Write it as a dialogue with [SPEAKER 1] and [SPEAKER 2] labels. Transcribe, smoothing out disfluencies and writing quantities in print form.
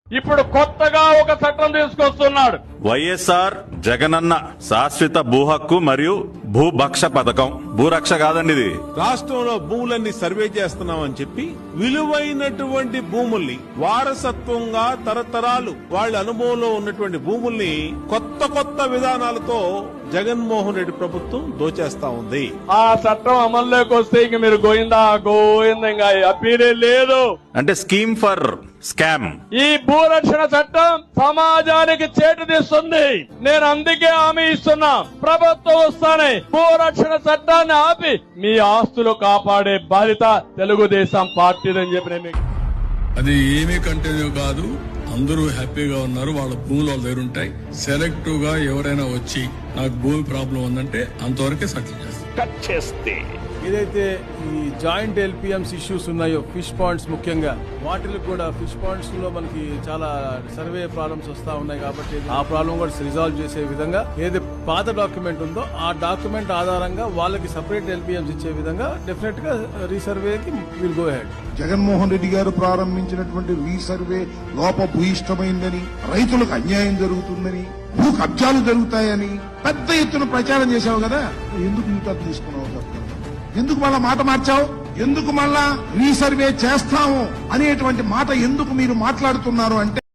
[SPEAKER 1] ఇప్పుడు కొత్తగా ఒక చట్టం తీసుకొస్తున్నాడు.
[SPEAKER 2] వైఎస్ఆర్ జగనన్న శాశ్వత భూ హక్కు మరియు భూభక్ష పథకం. భూరక్ష కాదండి ఇది.
[SPEAKER 3] రాష్ట్రంలో భూములన్నీ సర్వే చేస్తున్నామని చెప్పి విలువైనటువంటి భూముల్ని వారసత్వంగా తరతరాలు వాళ్ళ అనుభవంలో ఉన్నటువంటి భూముల్ని కొత్త విధానాలతో జగన్మోహన్ రెడ్డి ప్రభుత్వం దోచేస్తా ఉంది.
[SPEAKER 1] ఆ చట్టం అమల్లోకి వస్తే ఇంక మీరు గోయిందా ఇంకా అప్పీరే లేదు.
[SPEAKER 2] అంటే స్కీమ్ ఫర్ స్కామ్.
[SPEAKER 1] ఈ భూరక్షణ చట్టం సమాజానికి చేటు తీస్తుంది. నేను అందుకే హామీ ఇస్తున్నా, ప్రభుత్వం వస్తానే భూరక్షణ చట్టాన్ని ఆపి మీ ఆస్తులు కాపాడే బాధ్యత తెలుగుదేశం పార్టీదని చెప్పి నేను
[SPEAKER 4] అది ఏమీ కంటిన్యూ కాదు. అందరూ హ్యాపీగా ఉన్నారు. వాళ్ళ భూములు వాళ్ళ దగ్గర ఉంటాయి. సెలెక్టివ్ గా ఎవరైనా వచ్చి నాకు భూమి ప్రాబ్లం ఉందంటే అంతవరకే సెటిల్ చేస్తారు.
[SPEAKER 2] కట్ చేస్తే
[SPEAKER 5] ఏదైతే ఈ జాయింట్ ఎల్పిఎంస్ ఇష్యూస్ ఉన్నాయో, ఫిష్ పాండ్స్ ముఖ్యంగా, వాటికి కూడా ఫిష్ పాండ్స్ లో మనకి చాలా సర్వే ప్రాబ్లమ్స్ వస్తా ఉన్నాయి. కాబట్టి ఆ ప్రాబ్లం కూడా రిజాల్వ్ చేసే విధంగా ఏదైతే పాత డాక్యుమెంట్ ఉందో ఆ డాక్యుమెంట్ ఆధారంగా వాళ్ళకి సపరేట్ ఎల్పిఎంస్ ఇచ్చే విధంగా డెఫినెట్ గా రీసర్వేకి will go ahead.
[SPEAKER 6] Jaganmohan Reddy garu ప్రారంభించినటువంటి రీసర్వే లోపభూయిష్టమైందని, రైతులకు అన్యాయం జరుగుతుందని, భూ కబ్జాలు జరుగుతాయని పెద్ద ఎత్తున ప్రచారం చేశావు కదా, ఎందుకు ఇంత తీసుకున్నావు? ఎందుకు మళ్ళా మాట మార్చావు? ఎందుకు మళ్ళా రీసర్వే చేస్తాము అనేటువంటి మాట ఎందుకు మీరు మాట్లాడుతున్నారు అంటే